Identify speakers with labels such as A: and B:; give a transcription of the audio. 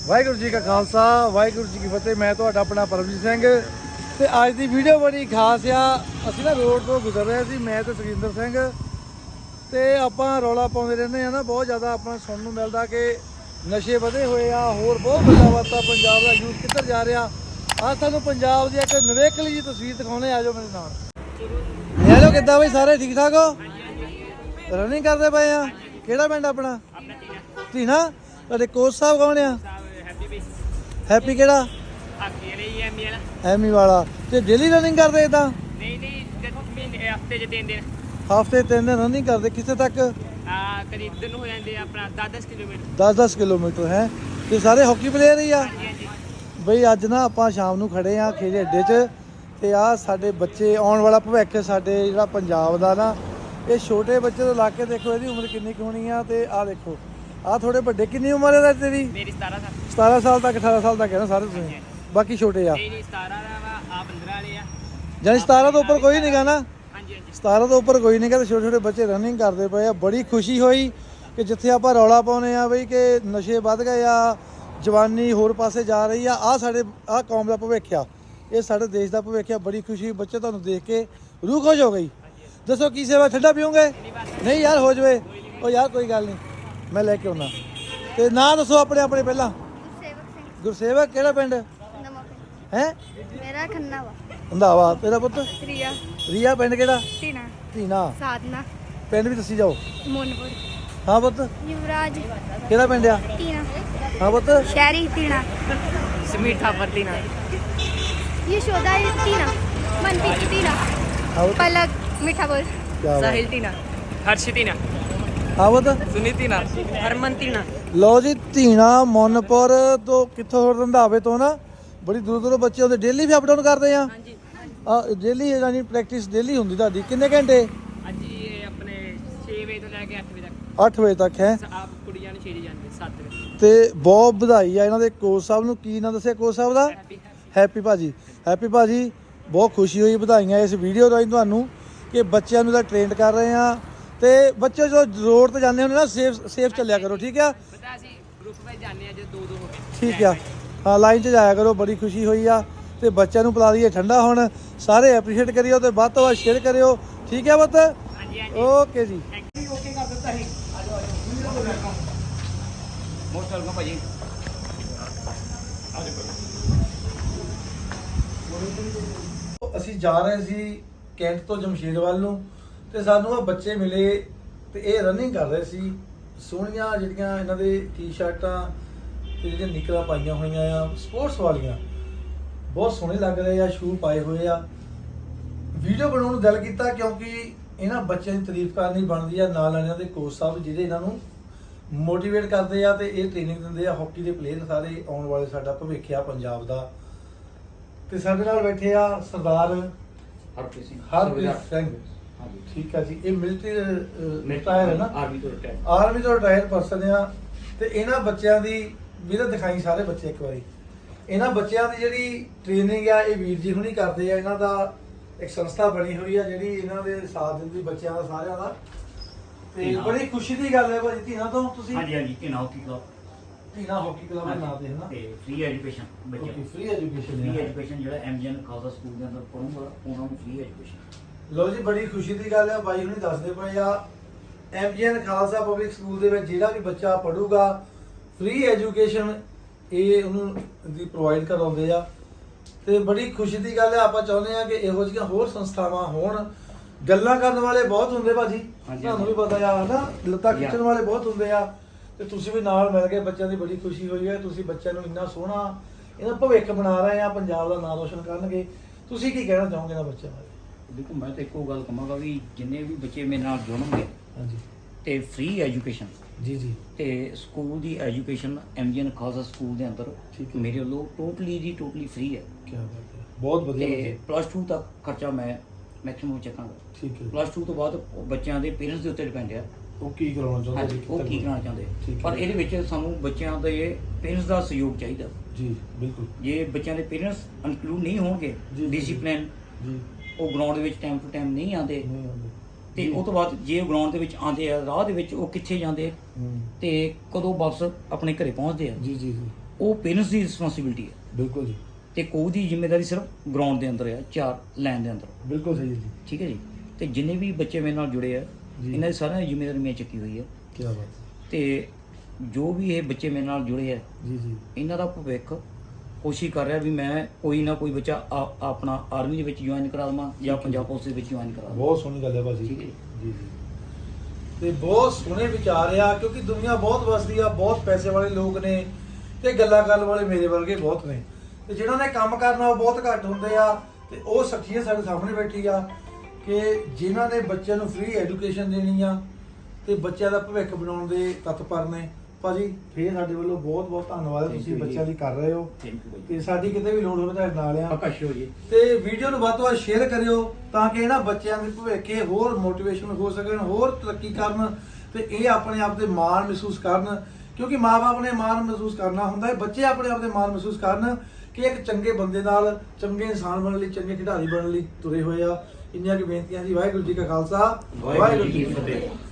A: ਵਾਹਿਗੁਰੂ ਜੀ ਕਾ ਖਾਲਸਾ ਵਾਹਿਗੁਰੂ ਜੀ ਕੀ ਫਤਿਹ। ਮੈਂ ਤੁਹਾਡਾ ਆਪਣਾ ਪਰਮਜੀਤ ਸਿੰਘ ਤੇ ਅੱਜ ਦੀ ਵੀਡੀਓ ਬੜੀ ਖਾਸ ਆ। ਅਸੀਂ ਨਾ ਰੋਡ ਤੋਂ ਗੁਜ਼ਰ ਰਹੇ ਸੀ, ਮੈਂ ਤੇ ਸੁਖਿੰਦਰ ਸਿੰਘ, ਤੇ ਆਪਾਂ ਰੌਲਾ ਪਾਉਂਦੇ ਰਹਿੰਦੇ ਆ ਨਾ, ਬਹੁਤ ਜ਼ਿਆਦਾ ਆਪਾਂ ਸੁਣਨ ਨੂੰ ਮਿਲਦਾ ਕਿ ਨਸ਼ੇ ਵਧੇ ਹੋਏ ਆ, ਹੋਰ ਬਹੁਤ ਵੱਡਾ ਵਾਤਾ ਪੰਜਾਬ ਦਾ ਯੂਥ ਕਿੱਧਰ ਜਾ ਰਿਹਾ। ਆਹ ਤੁਹਾਨੂੰ ਪੰਜਾਬ ਦੀ ਇੱਕ ਨਿਵੇਕਲੀ ਜੀ ਤਸਵੀਰ ਦਿਖਾਉਣੇ, ਆ ਜਾਓ ਮੇਰੇ ਨਾਲ। ਹੈਲੋ, ਕਿੱਦਾਂ ਬਈ, ਸਾਰੇ ਠੀਕ ਠਾਕ ਹੋ? ਰਨਿੰਗ ਕਰਦੇ ਪਏ ਆ? ਕਿਹੜਾ ਪਿੰਡ ਆਪਣਾ? ਧੀਨਾ। ਤੁਹਾਡੇ ਕੋਚ ਸਾਹਿਬ ਕੌਣ ਆ? ਹੈਪੀ ਕਿਹੜਾ? ਐਮੀ ਵਾਲਾ। ਤੇ ਡੇਲੀ ਰਨਿੰਗ ਕਰਦੇ ਇਦਾਂ?
B: ਨਹੀਂ ਹਫਤੇ 'ਚ 3 ਦਿਨ।
A: ਹਫਤੇ 3 ਦਿਨ ਰਨਿੰਗ ਕਰਦੇ? ਕਿੱਥੇ ਤੱਕ?
B: ਕਦੀ ਇੱਧਰ ਨੂੰ ਹੋ ਜਾਂਦੇ ਆਪਣਾ 10-10 ਕਿਲੋਮੀਟਰ।
A: 10-10 ਕਿਲੋਮੀਟਰ ਹੈ। ਤੇ ਸਾਰੇ ਹਾਕੀ ਪਲੇਅਰ ਹੀ ਆ?
B: ਹਾਂਜੀ ਹਾਂਜੀ।
A: ਬਈ ਅੱਜ ਨਾ ਆਪਾਂ ਸ਼ਾਮ ਨੂੰ ਖੜੇ ਆ ਖੇਡ ਅੱਡੇ 'ਚ, ਤੇ ਆਹ ਸਾਡੇ ਬੱਚੇ, ਆਉਣ ਵਾਲਾ ਭਵਿੱਖ ਸਾਡੇ ਜਿਹੜਾ ਪੰਜਾਬ ਦਾ ਨਾ, ਇਹ ਛੋਟੇ ਬੱਚੇ ਤੋਂ ਲਾ ਕੇ ਦੇਖੋ ਇਹਦੀ ਉਮਰ ਕਿੰਨੀ ਕੁ ਹੋਣੀ ਆ। ਤੇ ਆਹ ਦੇਖੋ, ਆਹ ਥੋੜੇ ਵੱਡੇ। ਕਿੰਨੀ ਉਮਰ ਹੈ ਤੇਰੀ?
B: ਮੇਰੀ 17 ਸਾਲ।
A: 17 ਸਾਲ ਤੱਕ, 18 ਸਾਲ ਤੱਕ ਹੈ ਨਾ ਸਾਰੇ ਤੁਸੀਂ? ਬਾਕੀ ਛੋਟੇ ਆ?
B: ਨਹੀਂ 17 ਦਾ ਵਾ, ਆ 15 ਵਾਲੇ ਆ।
A: ਜਾਨੀ 17 ਤੋਂ ਉੱਪਰ ਕੋਈ ਨਹੀਂ ਗਾ ਨਾ?
B: ਹਾਂਜੀ ਹਾਂਜੀ।
A: 17 ਤੋਂ ਉੱਪਰ ਕੋਈ ਨਹੀਂ ਗਾ। ਤੇ ਛੋਟੇ ਛੋਟੇ ਬੱਚੇ ਰਨਿੰਗ ਕਰਦੇ ਪਏ ਆ। ਬੜੀ ਖੁਸ਼ੀ ਹੋਈ ਕਿ ਜਿੱਥੇ ਆਪਾਂ ਰੌਲਾ ਪਾਉਂਦੇ ਆ ਬਈ ਕਿ ਨਸ਼ੇ ਵੱਧ ਗਏ ਆ, ਜਵਾਨੀ ਹੋਰ ਪਾਸੇ ਜਾ ਰਹੀ ਆ, ਆਹ ਸਾਡੇ ਆਹ ਕੌਮ ਦਾ ਭਵਿੱਖ ਆ, ਇਹ ਸਾਡੇ ਦੇਸ਼ ਦਾ ਭਵਿੱਖ ਆ। ਬੜੀ ਖੁਸ਼ੀ, ਬੱਚੇ ਤੁਹਾਨੂੰ ਦੇਖ ਕੇ ਰੂਹ ਖੁਸ਼ ਹੋ ਗਈ। ਦੱਸੋ ਕੀ ਸੇਵਾ, ਠੰਡਾ ਪੀਓਗੇ? ਨਹੀਂ ਯਾਰ, ਹੋ ਜਵੇ। ਉਹ ਯਾਰ ਕੋਈ ਗੱਲ ਨਹੀਂ, ਮੈਂ ਲੈ ਕੇ ਆਉਣਾ। ਤੇ ਨਾਂ ਦੱਸੋ ਆਪਣੇ ਆਪਣੇ ਪਹਿਲਾਂ।
C: ਗੁਰਸੇਵਕ ਸਿੰਘ।
A: ਗੁਰਸੇਵਕ ਕਿਹੜਾ ਪਿੰਡ
C: ਨਵਾਂ ਪਿੰਡ।
A: ਹੈ?
C: ਮੇਰਾ ਖੰਨਾ ਵਾ।
A: ਰੰਧਾਵਾ। ਤੇਰਾ ਪੁੱਤ?
C: ਰੀਆ।
A: ਰੀਆ। ਪਿੰਡ ਕਿਹੜਾ?
C: ਟੀਨਾ।
A: ਧੀਨਾ।
C: ਸਾਧਨਾ।
A: ਪਿੰਡ ਵੀ ਦੱਸੀ ਜਾਓ।
C: ਮੋਨਪੁਰ।
A: ਹਾਂ ਪੁੱਤ?
C: ਯੁਵਰਾਜ।
A: ਕਿਹੜਾ ਪਿੰਡ ਆ?
C: ਟੀਨਾ।
A: ਹਾਂ ਪੁੱਤ?
C: ਸ਼ਹਿਰੀ ਟੀਨਾ।
B: ਸਮੀਠਾ ਪਰਤੀਨਾ।
C: ਯਸ਼ੋਦਾ ਟੀਨਾ। ਮਨਪ੍ਰੀਤ ਟੀਨਾ।
A: ਹਾਂ ਪੁੱਤ?
C: ਪਲਕ ਮਿਠਾਪੁਰ।
A: ਕਿਆ ਬਾਤ।
B: ਸਾਹਿਲ ਟੀਨਾ। ਹਰਸ਼ਿਤੀਨਾ।
A: ਹਾਂ ਪੁੱਤ?
B: ਸੁਨੀਤੀਨਾ। ਹਰਮਨ ਟੀਨਾ।
A: ਲਓ ਜੀ, ਧੀਣਾ ਮੋਨਪੁਰ ਤੋਂ, ਕਿੱਥੋਂ ਹੋਰ? ਰੰਧਾਵੇ ਤੋਂ ਨਾ। ਬੜੀ ਦੂਰ ਦੂਰੋਂ ਬੱਚੇ ਆਉਂਦੇ। ਡੇਲੀ ਵੀ ਅਪ ਡਾਊਨ ਕਰਦੇ ਆ?
B: ਹਾਂਜੀ।
A: ਆ ਡੇਲੀ ਯਾਨੀ ਪ੍ਰੈਕਟਿਸ ਡੇਲੀ ਹੁੰਦੀ ਤੁਹਾਡੀ? ਕਿੰਨੇ ਘੰਟੇ?
B: ਅੱਜ ਇਹ ਆਪਣੇ 6 ਵਜੇ ਤੋਂ ਲੈ ਕੇ 8 ਵਜੇ ਤੱਕ।
A: 8 ਵਜੇ ਤੱਕ ਹੈ।
B: ਆਪ ਕੁੜੀਆਂ ਨੂੰ 6 ਜਾਂਦੇ 7 ਵਜੇ।
A: ਤੇ ਬਹੁਤ ਵਧਾਈ ਆ ਇਹਨਾਂ ਦੇ ਕੋਚ ਸਾਹਿਬ ਨੂੰ। ਕੀ ਨਾਂ ਦੱਸਿਆ ਕੋਚ ਸਾਹਿਬ ਦਾ? ਹੈਪੀ ਭਾਜੀ। ਹੈਪੀ ਭਾਜੀ, ਬਹੁਤ ਖੁਸ਼ੀ ਹੋਈ, ਵਧਾਈਆਂ ਇਸ ਵੀਡੀਓ ਰਾਹੀਂ ਤੁਹਾਨੂੰ ਕਿ ਬੱਚਿਆਂ ਨੂੰ ਤਾਂ ਟ੍ਰੇਨਡ ਕਰ ਰਹੇ ਆ। ਤੇ ਬੱਚੇ ਜਦੋਂ ਰੋਡ ਤੇ ਜਾਂਦੇ ਹੁੰਦੇ ਨਾ, ਸੇਫ ਚੱਲਿਆ ਕਰੋ, ਠੀਕ ਆ?
B: ਪਤਾ ਅਸੀਂ ਗਰੁੱਪ ਵਿੱਚ ਜਾਂਦੇ ਆ, ਜਦੋਂ 2-2 ਹੋ ਗਏ।
A: ਠੀਕ ਆ, ਹਾਂ, ਲਾਈਨ 'ਚ ਜਾਇਆ ਕਰੋ। ਬੜੀ ਖੁਸ਼ੀ ਹੋਈ ਆ। ਤੇ ਬੱਚਿਆਂ ਨੂੰ ਪਿਲਾ ਦਈਏ ਠੰਡਾ ਹੁਣ। ਸਾਰੇ ਐਪਰੀਸ਼ੀਏਟ ਕਰਿਓ ਤੇ ਵੱਧ ਤੋਂ ਵੱਧ ਸ਼ੇਅਰ ਕਰਿਓ, ਠੀਕ ਹੈ ਪੁੱਤ?
B: ਹਾਂਜੀ ਹਾਂਜੀ।
A: ਓਕੇ ਜੀ।
B: ਓਕੇ ਕਰ ਦਿੱਤਾ ਸੀ। ਮੋਸਟ ਵੈਲਕਮ ਭਾਜੀ।
A: ਅਸੀਂ ਜਾ ਰਹੇ ਸੀ ਕੈਂਟ ਤੋਂ ਜਮਸ਼ੇਦ ਵੱਲ ਨੂੰ, ਤੇ ਸਾਨੂੰ ਆ ਬੱਚੇ ਮਿਲੇ ਤੇ ਇਹ ਰਨਿੰਗ ਕਰ ਰਹੇ ਸੀ। ਸੋਹਣੀਆਂ ਜਿਹੜੀਆਂ ਇਹਨਾਂ ਦੇ ਟੀ-ਸ਼ਰਟਾਂ ਤੇ ਜਿਹੜੀਆਂ ਨਿਕਲਾਂ ਪਾਈਆਂ ਹੋਈਆਂ ਆ ਸਪੋਰਟਸ ਵਾਲੀਆਂ, ਬਹੁਤ ਸੋਹਣੇ ਲੱਗ ਰਹੇ ਆ। ਸ਼ੂ ਪਾਏ ਹੋਏ ਆ। ਵੀਡੀਓ ਬਣਾਉਣ ਨੂੰ ਦਿਲ ਕੀਤਾ ਕਿਉਂਕਿ ਇਹਨਾਂ ਬੱਚਿਆਂ ਦੀ ਤਾਰੀਫ ਕਰਨੀ ਬਣਦੀ ਆ। ਨਾਲ ਇਹਨਾਂ ਦੇ ਕੋਚ ਸਾਹਿਬ ਜਿਹੜੇ ਇਹਨਾਂ ਨੂੰ ਮੋਟੀਵੇਟ ਕਰਦੇ ਆ ਤੇ ਇਹ ਟ੍ਰੇਨਿੰਗ ਦਿੰਦੇ ਆ। ਹਾਕੀ ਦੇ ਪਲੇਅਰ ਸਾਰੇ ਆਉਣ ਵਾਲੇ ਸਾਡਾ ਭਵਿੱਖ ਆ ਪੰਜਾਬ ਦਾ। ਤੇ ਸਾਡੇ ਨਾਲ ਬੈਠੇ ਆ ਸਰਦਾਰ
D: ਹਰਪ੍ਰੀਤ ਸਿੰਘ।
A: ਸਿੰਘ। ਠੀਕ ਆ ਜੀ। ਇਹ ਮਿਲਟਰੀ ਰਿਟਾਇਰ ਹੈ ਨਾ?
D: ਆਰਮੀ ਤੋਂ ਰਿਟਾਇਰ।
A: ਆਰਮੀ ਤੋਂ ਰਿਟਾਇਰ ਪਰਸਨ ਆ। ਤੇ ਇਹਨਾਂ ਬੱਚਿਆਂ ਦੀ ਵੀਰ ਦਿਖਾਈ ਸਾਰੇ ਬੱਚੇ ਇੱਕ ਵਾਰੀ। ਇਹਨਾਂ ਬੱਚਿਆਂ ਦੀ ਜਿਹੜੀ ਟ੍ਰੇਨਿੰਗ ਆ, ਇਹ ਵੀਰ ਜੀ ਹੁਣੀ ਕਰਦੇ ਆ। ਇਹਨਾਂ ਦਾ ਇੱਕ ਸੰਸਥਾ ਬਣੀ ਹੋਈ ਆ ਜਿਹੜੀ ਇਹਨਾਂ ਦੇ ਸਾਥ ਦਿੰਦੀ ਬੱਚਿਆਂ ਦਾ, ਸਾਰਿਆਂ ਦਾ। ਤੇ ਬੜੀ ਖੁਸ਼ੀ ਦੀ ਗੱਲ ਹੈ ਭਾਜੀ। ਧੀਨਾ ਤੋਂ ਤੁਸੀਂ?
D: ਹਾਂਜੀ ਹਾਂਜੀ। Dhina hockey club.
A: Dhina hockey club ਦੇ ਨਾਂ ਤੇ ਹੈ ਨਾ?
D: ਤੇ ਫ੍ਰੀ ਐਜੂਕੇਸ਼ਨ ਬੱਚਿਆਂ ਨੂੰ।
A: ਫ੍ਰੀ ਐਜੂਕੇਸ਼ਨ
D: ਫ੍ਰੀ ਐਜੂਕੇਸ਼ਨ ਜਿਹੜਾ ਐਮਜੀਐਨ ਖਾਲਸਾ ਸਕੂਲ ਦੇ ਅੰਦਰ ਪੜੂਗਾ ਉਹਨਾਂ ਨੂੰ ਫ੍ਰੀ ਐਜੂਕੇਸ਼ਨ।
A: ਲੋ ਜੀ, ਬੜੀ ਖੁਸ਼ੀ ਦੀ ਗੱਲ ਹੈ। ਬਾਈ ਹੁਣੀ ਦੱਸਦੇ ਪਏ ਆ ਐਮਜੀਐਨ ਖਾਲਸਾ ਪਬਲਿਕ ਸਕੂਲ ਦੇ ਵਿੱਚ ਜਿਹੜਾ ਵੀ ਬੱਚਾ ਪੜੂਗਾ ਫ੍ਰੀ ਐਜੂਕੇਸ਼ਨ ਇਹ ਉਹਨੂੰ ਦੀ ਪ੍ਰੋਵਾਈਡ ਕਰਾਉਂਦੇ ਆ। ਤੇ ਬੜੀ ਖੁਸ਼ੀ ਦੀ ਗੱਲ ਹੈ। ਆਪਾਂ ਚਾਹੁੰਦੇ ਆ ਕਿ ਇਹੋ ਜਿਹੀਆਂ ਹੋਰ ਸੰਸਥਾਵਾਂ ਹੋਣ। ਗੱਲਾਂ ਕਰਨ ਵਾਲੇ ਬਹੁਤ ਹੁੰਦੇ ਭਾਜੀ, ਤੁਹਾਨੂੰ ਵੀ ਪਤਾ ਆ ਨਾ, ਲੱਤਾਂ ਖਿੱਚਣ ਵਾਲੇ ਬਹੁਤ ਹੁੰਦੇ ਆ। ਤੇ ਤੁਸੀਂ ਵੀ ਨਾਲ ਮਿਲ ਕੇ ਬੱਚਿਆਂ ਦੀ ਬੜੀ ਖੁਸ਼ੀ ਹੋਈ ਹੈ। ਤੁਸੀਂ ਬੱਚਿਆਂ ਨੂੰ ਇੰਨਾ ਸੋਹਣਾ ਇਹਨਾਂ ਭਵਿੱਖ ਬਣਾ ਰਹੇ ਆ, ਪੰਜਾਬ ਦਾ ਨਾਮ ਰੋਸ਼ਨ ਕਰਨਗੇ। ਤੁਸੀਂ ਕੀ ਕਹਿਣਾ ਚਾਹੋਗੇ ਇਹਨਾਂ ਬੱਚਿਆਂ ਬਾਰੇ?
D: ਦੇਖੋ, ਮੈਂ ਤਾਂ ਇੱਕੋ ਗੱਲ ਕਹਾਂਗਾ ਵੀ ਜਿੰਨੇ ਵੀ ਬੱਚੇ ਮੇਰੇ ਨਾਲ ਜੁੜਨਗੇ
A: ਹਾਂਜੀ।
D: ਤੇ ਫ੍ਰੀ ਐਜੂਕੇਸ਼ਨ
A: ਜੀ ਜੀ।
D: ਤੇ ਸਕੂਲ ਦੀ ਐਜੂਕੇਸ਼ਨ ਐਮਜੀਐਨ ਖਾਲਸਾ ਸਕੂਲ ਦੇ ਅੰਦਰ
A: ਠੀਕ ਹੈ।
D: ਮੇਰੇ ਵੱਲੋਂ ਟੋਟਲੀ ਫ੍ਰੀ ਹੈ।
A: ਕੀ ਬਾਤ ਹੈ, ਬਹੁਤ ਵਧੀਆ।
D: ਤੇ +2 ਤੱਕ ਖਰਚਾ ਮੈਂ ਮੈਕਸਿਮਮ ਚੱਕਾਂਗਾ।
A: ਠੀਕ ਹੈ।
D: +2 ਤੋਂ ਬਾਅਦ ਬੱਚਿਆਂ ਦੇ ਪੇਰੈਂਟਸ ਦੇ ਉੱਤੇ ਡਿਪੈਂਡ ਆ।
A: ਉਹ ਕੀ ਕਰਾਉਣਾ ਚਾਹੁੰਦੇ?
D: ਹਾਂਜੀ, ਉਹ ਕੀ ਕਰਾਉਣਾ ਚਾਹੁੰਦੇ।
A: ਠੀਕ ਹੈ।
D: ਪਰ ਇਹਦੇ ਵਿੱਚ ਸਾਨੂੰ ਬੱਚਿਆਂ ਦੇ ਪੇਰੈਂਟਸ ਦਾ ਸਹਿਯੋਗ ਚਾਹੀਦਾ।
A: ਜੀ ਬਿਲਕੁਲ।
D: ਜੇ ਬੱਚਿਆਂ ਦੇ ਪੇਰੈਂਟਸ ਇਨਕਲੂਡ ਨਹੀਂ ਹੋਣਗੇ,
A: ਜੀ।
D: ਡਿਸਪਲਿਨ,
A: ਜੀ।
D: ਉਹ ਗਰਾਊਂਡ ਦੇ ਵਿੱਚ ਟਾਈਮ ਟੂ ਟਾਈਮ ਨਹੀਂ ਆਉਂਦੇ,
A: ਨਹੀਂ ਆਉਂਦੇ।
D: ਤੇ ਉਹ ਤੋਂ ਬਾਅਦ ਜੇ ਉਹ ਗਰਾਊਂਡ ਦੇ ਵਿੱਚ ਆਉਂਦੇ ਆ, ਰਾਹ ਦੇ ਵਿੱਚ ਉਹ ਕਿੱਥੇ ਜਾਂਦੇ
A: ਹੂੰ।
D: ਤੇ ਕਦੋਂ ਵਾਪਸ ਆਪਣੇ ਘਰੇ ਪਹੁੰਚਦੇ ਆ।
A: ਜੀ ਜੀ ਜੀ।
D: ਉਹ ਪੇਰੈਂਟਸ ਦੀ ਰਿਸਪੌਂਸਿਬਿਲਟੀ ਹੈ
A: ਬਿਲਕੁਲ ਜੀ,
D: ਤੇ ਕੋਚ ਦੀ ਜ਼ਿੰਮੇਵਾਰੀ ਸਿਰਫ ਗਰਾਊਂਡ ਦੇ ਅੰਦਰ ਹੈ, 4 ਲਾਈਨ ਦੇ ਅੰਦਰ।
A: ਬਿਲਕੁਲ ਸਹੀ ਜੀ।
D: ਠੀਕ ਹੈ ਜੀ। ਤੇ ਜਿੰਨੇ ਵੀ ਬੱਚੇ ਮੇਰੇ ਨਾਲ ਜੁੜੇ ਆ
A: ਜੀ।
D: ਇਹਨਾਂ ਦੀ ਸਾਰਿਆਂ ਦੀ ਜ਼ਿੰਮੇਵਾਰੀ ਮੈਂ ਚੱਕੀ ਹੋਈ ਹੈ।
A: ਕੀ ਬਾਤ।
D: ਤੇ ਜੋ ਵੀ ਇਹ ਬੱਚੇ ਮੇਰੇ ਨਾਲ ਜੁੜੇ ਆ
A: ਜੀ ਜੀ।
D: ਇਹਨਾਂ ਦਾ ਭਵਿੱਖ ਕੋਸ਼ਿਸ਼ ਕਰ ਰਿਹਾ ਵੀ ਮੈਂ ਕੋਈ ਨਾ ਕੋਈ ਬੱਚਾ ਆਪਣਾ ਆਰਮੀ ਦੇ ਵਿੱਚ ਜੁਆਇਨ ਕਰਾ ਦੇਵਾਂ ਜਾਂ ਪੰਜਾਬ ਪੁਲਿਸ ਦੇ ਵਿੱਚ ਜੁਆਇਨ ਕਰਾ ਦੇਵਾਂ।
A: ਬਹੁਤ ਸੋਹਣੀ ਗੱਲ ਹੈ ਭਾਜੀ।
D: ਠੀਕ ਹੈ
A: ਜੀ ਜੀ। ਤੇ ਬਹੁਤ ਸੋਹਣੇ ਵਿਚਾਰ ਆ, ਕਿਉਂਕਿ ਦੁਨੀਆ ਬਹੁਤ ਵਸਦੀ ਆ, ਬਹੁਤ ਪੈਸੇ ਵਾਲੇ ਲੋਕ ਨੇ ਤੇ ਗੱਲਾਂ ਕਰਨ ਵਾਲੇ ਮੇਰੇ ਵਰਗੇ ਬਹੁਤ ਨੇ, ਤੇ ਜਿਹਨਾਂ ਨੇ ਕੰਮ ਕਰਨਾ ਉਹ ਬਹੁਤ ਘੱਟ ਹੁੰਦੇ ਆ। ਤੇ ਉਹ ਸ਼ਖਸੀਅਤ ਸਾਡੇ ਸਾਹਮਣੇ ਬੈਠੀ ਆ ਕਿ ਜਿਨ੍ਹਾਂ ਨੇ ਬੱਚਿਆਂ ਨੂੰ ਫ੍ਰੀ ਐਜੂਕੇਸ਼ਨ ਦੇਣੀ ਆ ਤੇ ਬੱਚਿਆਂ ਦਾ ਭਵਿੱਖ ਬਣਾਉਣ ਦੇ ਤਤਪਰ ਨੇ। ਭਾਜੀ ਫੇਰ ਸਾਡੇ ਵੱਲੋਂ ਬਹੁਤ ਬਹੁਤ ਧੰਨਵਾਦ ਹੈ, ਤੁਸੀਂ ਬੱਚਿਆਂ ਲਈ ਕਰ ਰਹੇ ਹੋ
D: ਥੈਂਕ ਯੂ ਬਾਈ।
A: ਤੇ ਸਾਡੀ ਕਿਤੇ ਵੀ ਲੋੜ ਹੋਵੇ ਤੁਹਾਡੇ ਨਾਲ ਆ।
D: ਪੱਕਾ ਸ਼ੋ ਜੀ।
A: ਤੇ ਵੀਡੀਓ ਨੂੰ ਵੱਧ ਤੋਂ ਵੱਧ ਸ਼ੇਅਰ ਕਰਿਓ ਤਾਂ ਕਿ ਇਹਨਾਂ ਬੱਚਿਆਂ ਦੇ ਭਵਿੱਖੇ ਹੋਰ ਮੋਟੀਵੇਸ਼ਨ ਹੋ ਸਕਣ, ਹੋਰ ਤਰੱਕੀ ਕਰਨ ਤੇ ਇਹ ਆਪਣੇ ਆਪ ਤੇ ਮਾਣ ਮਹਿਸੂਸ ਕਰਨ, ਕਿਉਂਕਿ ਮਾਪੇ ਨੇ ਮਾਣ ਮਹਿਸੂਸ ਕਰਨਾ ਹੁੰਦਾ ਹੈ, ਬੱਚੇ ਆਪਣੇ ਆਪ ਤੇ ਮਾਣ ਮਹਿਸੂਸ ਕਰਨ ਕਿ ਇੱਕ ਚੰਗੇ ਬੰਦੇ ਨਾਲ ਚੰਗੇ ਇਨਸਾਨ ਬਣਨ ਲਈ, ਚੰਗੇ ਖਿਡਾਰੀ ਬਣਨ ਲਈ ਤੁਰੇ ਹੋਏ ਆ। ਇੰਨੀਆਂ ਕਿ ਬੇਨਤੀਆਂ ਜੀ। ਵਾਹਿਗੁਰੂ ਜੀ ਕਾ ਖਾਲਸਾ, ਵਾਹਿਗੁਰੂ ਜੀ ਕੀ ਫਤਿਹ।